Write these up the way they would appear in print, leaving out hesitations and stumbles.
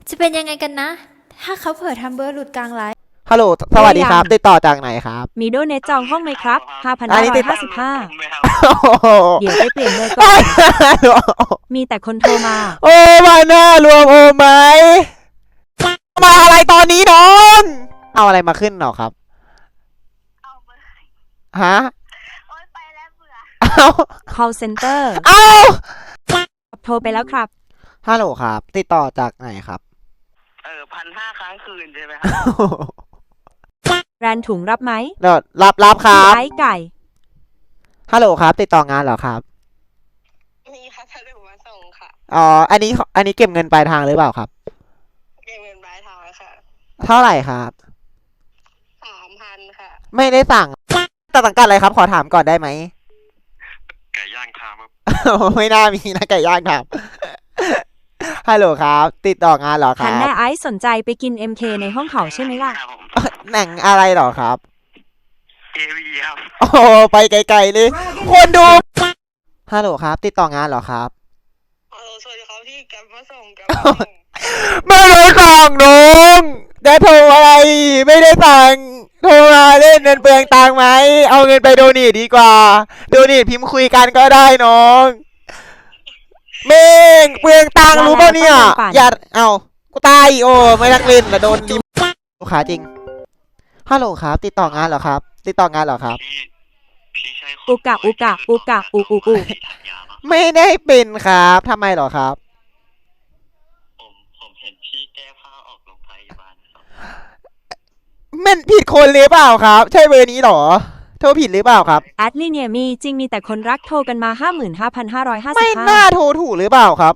จะเป็นยังไงกันนะ ถ้าเขาเผลอทำเบอร์หลุดกลางไลฟ์ฮัลโหลสวัสดีครับติดต่อจากไหนครับมีโดเนทจองห้องไหมครับอันนี้ติด 5,555 เดี๋ยวไปเปลี่ยนเลยก่อน มีแต่คนโทรมาโอ้มาหน้ารวมโอไหมมาอะไรตอนนี้น้องเอาอะไรมาขึ้นหรอครับเอาเบอร์ฮะโอ๊ยไปแล้วเบื่อเอา call center เอาโทรไปแล้วครับฮัลโหลครับติดต่อจากไหนครับ 1,500 ครั้งคืนใช่ไหมครับแบรนด์ถุงรับไหมเดี๋ยวรับครับไอ้ไก่ฮัลโหลครับติดต่องานเหรอครับมีพัสดุมาส่งค่ะอ๋ออันนี้เก็บเงินปลายทางหรือเปล่าครับเก็บเงินปลายทางค่ะเท่าไหร่ครับ 3,000 ค่ะไม่ได้สั่งแต่สังกัดอะไรครับขอถามก่อนได้ไหมไก่ย่างคามครับไม่น่ามีนะไก่ย่างครับ ฮัลโหลครับ ติดต่องานเหรอคหัรันบแน่ไอซ์สนใจไปกิน MK ในห้องเขาใช่ไหมล่ะครับผมหนังอะไรเหรอครับ AV ครับโอ้โหไปไกลๆเลย คนดู ฮัลโหลครับ ติดต่องานเหรอครับสวัสดีครับพี่แกมาส่งแกไม่ได้สั่งน้องได้โทรอะไร ไม่ได้สั่งโทรมาเล่นเงินเปลืองตังค์ไหม เอาเงินไปโดเนทดีกว่า โดเนทพิมพ์คุยกันก็ได้น้องเม่งเปลืองตังค์รู้ป่ะเนี่ย อย่าเอากูตายโอ้ไม่รักเล่นแล้วโดนดิลูกค้าจริง ฮัลโหลครับ ติดต่องานเหรอครับ ติดต่องานเหรอครับพี่ใช่คนอุกะอุกะอุกะอุอุอุที่ถักยาวปะไม่ได้เป็นครับทำไมเหรอครับผมเห็นพี่แก้ผ้าออกโรงพยาบาลครับมันผิดคนหรือเปล่าครับ ใช่เบอร์นี้เหรอ โทรผิดหรือเปล่าครับแอดลิเนียมีจริงมีแต่คนรักโทรกันมาไม่น่า 55,555 โทรถูกหรือเปล่าครับ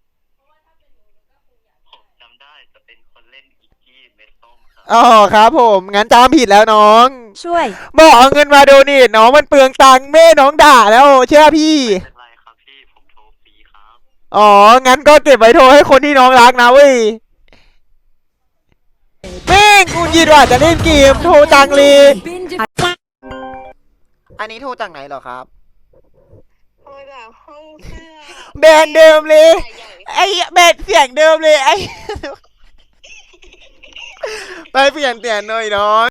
ผมจำได้จะเป็นคนเล่นอีกกี้เม็ดส้มครับอ๋อครับผม งั้นจำผิดแล้วน้องช่วยบอกเอาเงินมาโดเนทน้องมันเปลืองตังค์แม่น้องด่าแล้วเชื่อพี่ไม่เป็นไรครับพี่ผมโทรฟรีครับอ๋อ งั้นก็เก็บไว้โทรให้คนที่น้องรักนะเว้ยแม่งกูยินว่าจะเล่นเกมโทรจังเลยอันนี้โทรจากไหนเหรอครับโอ้ยแบบห้องเสื้อแบรนด์เดิมเลยใหญ่ไอ้แบรนด์เสียงเดิมเลยไอ้ ไปเปลี่ยนหน่อยน้อง